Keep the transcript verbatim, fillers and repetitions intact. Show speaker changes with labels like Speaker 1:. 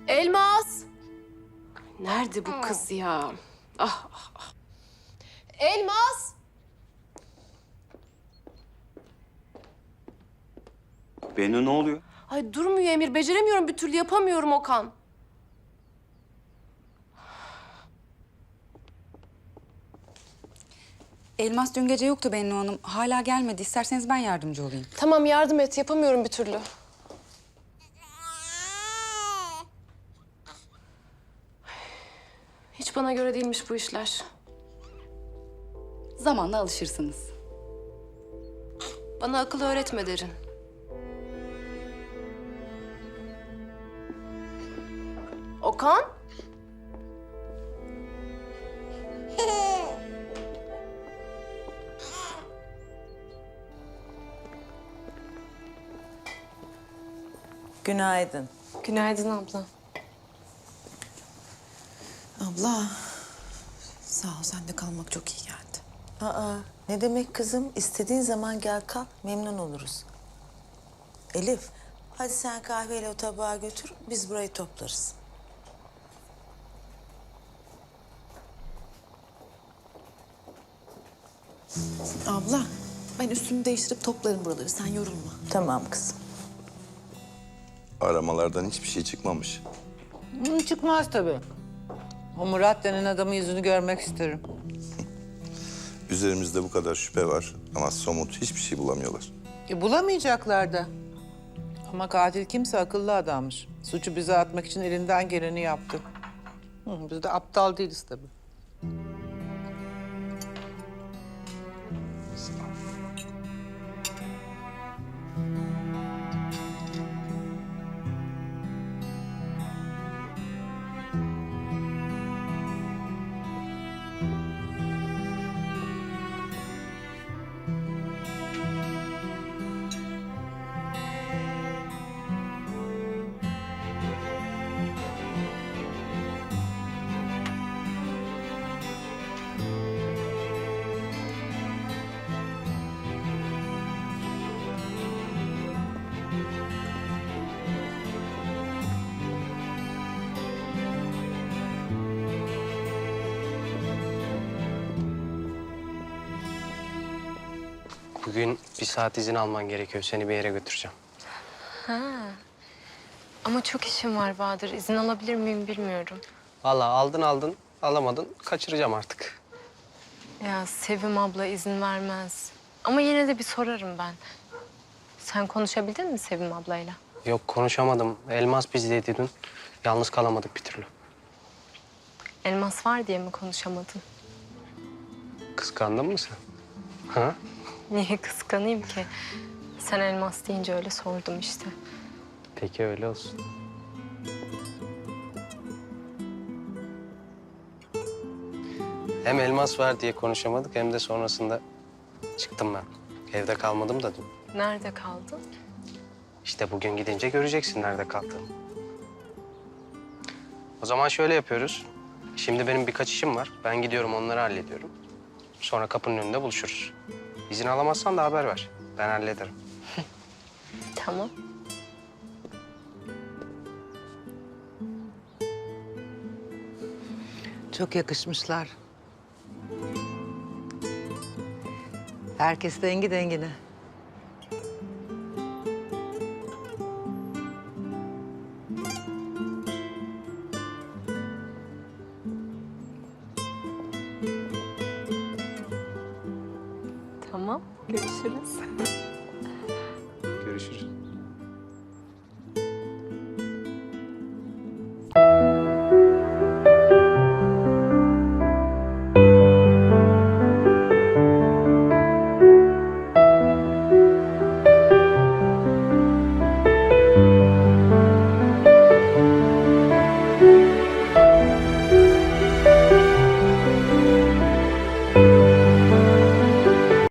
Speaker 1: Elmas! Nerede bu kız ya? Ah, ah, ah. Elmas!
Speaker 2: Bennu ne oluyor?
Speaker 1: Ay durmuyor Emir. Beceremiyorum bir türlü. Yapamıyorum Okan.
Speaker 3: Elmas dün gece yoktu Bennu Hanım. Hala gelmedi. İsterseniz ben yardımcı olayım.
Speaker 1: Tamam yardım et. Yapamıyorum bir türlü. Hiç bana göre değilmiş bu işler.
Speaker 3: Zamanla alışırsınız.
Speaker 1: Bana akıl öğretme Derin. Okan?
Speaker 4: Günaydın.
Speaker 1: Günaydın abla.
Speaker 5: Abla, sağ ol. Sende kalmak çok iyi geldi.
Speaker 4: Aa, ne demek kızım? İstediğin zaman gel kalk, memnun oluruz. Elif, hadi sen kahveyle o tabağı götür, biz burayı toplarız.
Speaker 5: Abla, ben üstümü değiştirip toplarım buraları. Sen yorulma.
Speaker 4: Tamam kızım.
Speaker 6: Aramalardan hiçbir şey çıkmamış.
Speaker 7: Hı, çıkmaz tabii. O Murat denen adamın yüzünü görmek isterim.
Speaker 6: Üzerimizde bu kadar şüphe var ama somut hiçbir şey bulamıyorlar.
Speaker 7: E, bulamayacaklar da. Ama katil kimse akıllı adammış. Suçu bize atmak için elinden geleni yaptı. Hı, biz de aptal değiliz tabii.
Speaker 8: Bugün bir saat izin alman gerekiyor. Seni bir yere götüreceğim.
Speaker 1: Ama çok işim var Bahadır. İzin alabilir miyim bilmiyorum.
Speaker 8: Vallahi aldın aldın, alamadın. Kaçıracağım artık.
Speaker 1: Ya Sevim abla izin vermez. Ama yine de bir sorarım ben. Sen konuşabildin mi Sevim ablayla?
Speaker 8: Yok konuşamadım. Elmas bizdeydi dün. Yalnız kalamadık bir türlü.
Speaker 1: Elmas var diye mi konuşamadın?
Speaker 8: Kıskandın mı sen? Ha?
Speaker 1: Niye kıskanayım ki? Sen elmas deyince öyle sordum işte.
Speaker 8: Peki öyle olsun. Hem elmas var diye konuşamadık hem de sonrasında çıktım ben. Evde kalmadım da dün.
Speaker 1: Nerede kaldın?
Speaker 8: İşte bugün gidince göreceksin nerede kaldığımı. O zaman şöyle yapıyoruz. Şimdi benim birkaç işim var. Ben gidiyorum onları hallediyorum. Sonra kapının önünde buluşuruz. İzin alamazsan da haber ver. Ben hallederim.
Speaker 1: Tamam.
Speaker 7: Çok yakışmışlar. Herkes dengi dengine.
Speaker 1: Tamam. Görüşürüz.